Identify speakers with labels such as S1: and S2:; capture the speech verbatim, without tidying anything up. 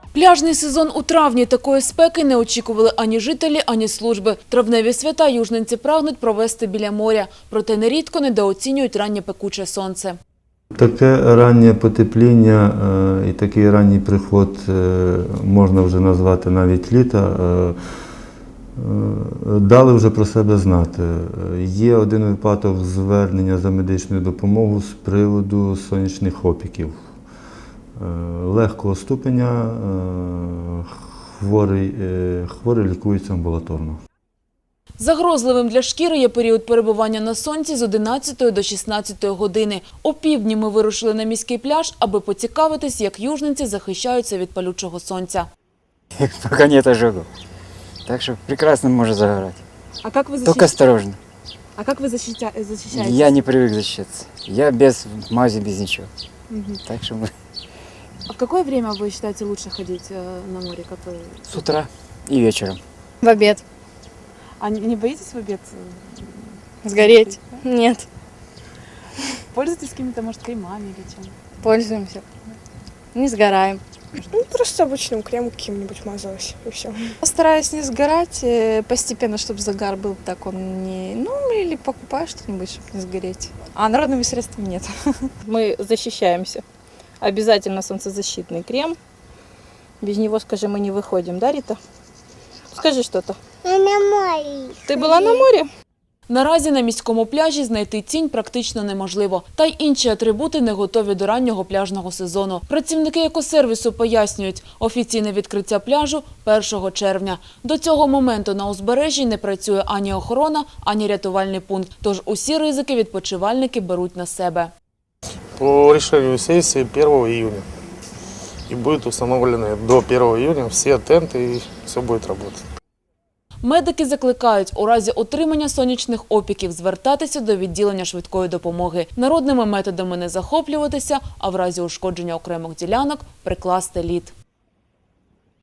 S1: Пляжний сезон у травні. Такої спеки не очікували ані жителі, ані служби. Травневі свята южненці прагнуть провести біля моря. Проте нерідко недооцінюють раннє пекуче сонце.
S2: Таке раннє потепління і такий ранній приход можна вже назвати навіть літа. Дали вже про себе знати. Є один випадок звернення за медичною допомогою з приводу сонячних опіків. Легкого ступеня, хворий, хворий лікується амбулаторно.
S1: Загрозливим для шкіри є період перебування на сонці з одинадцятої до шістнадцятої години. О півдні ми вирушили на міський пляж, аби поцікавитись, як южненці захищаються від палючого сонця.
S3: Пока нет ожогов. Так что прекрасно можно загорать.
S4: А как вы защищаетесь?
S3: Только осторожно.
S4: А как вы защитя... защищаетесь?
S3: Я не привык защищаться. Я без мази, без ничего.
S4: Мгм.
S3: Так что мы
S4: А в какое время вы считаете лучше ходить э, на море? Как вы...
S3: с утра и вечером.
S5: В обед.
S4: А не, не боитесь в обед? э,
S5: Сгореть? Нет.
S4: Пользуетесь какими-то, может, кремами или чем?
S5: Пользуемся. Не сгораем.
S6: Ну, просто обычным кремом каким-нибудь мазалась, и все.
S5: Стараюсь не сгорать э, постепенно, чтобы загар был так он не... Ну, или покупаю что-нибудь, чтобы не сгореть. А народными средствами нет.
S7: Мы защищаемся. Обязательно солнцезащитный крем. Без него, скажи, мы не выходим, да, Рита? Скажи что-то.
S8: Я на морі.
S7: Ты была на море?
S1: Наразі на міському пляжі знайти тінь практично неможливо. Та й інші атрибути не готові до раннього пляжного сезону. Працівники екосервісу пояснюють, офіційне відкриття пляжу – першого червня. До цього моменту на узбережжі не працює ані охорона, ані рятувальний пункт. Тож усі ризики відпочивальники беруть на себе.
S9: По решению сессии первого июня. И будут установлены до первого июня все тенты, и все будет работать.
S1: Медики закликають у разі отримання сонячних опіків звертатися до відділення швидкої допомоги. Народними методами не захоплюватися, а в разі ушкодження окремих ділянок прикласти лід.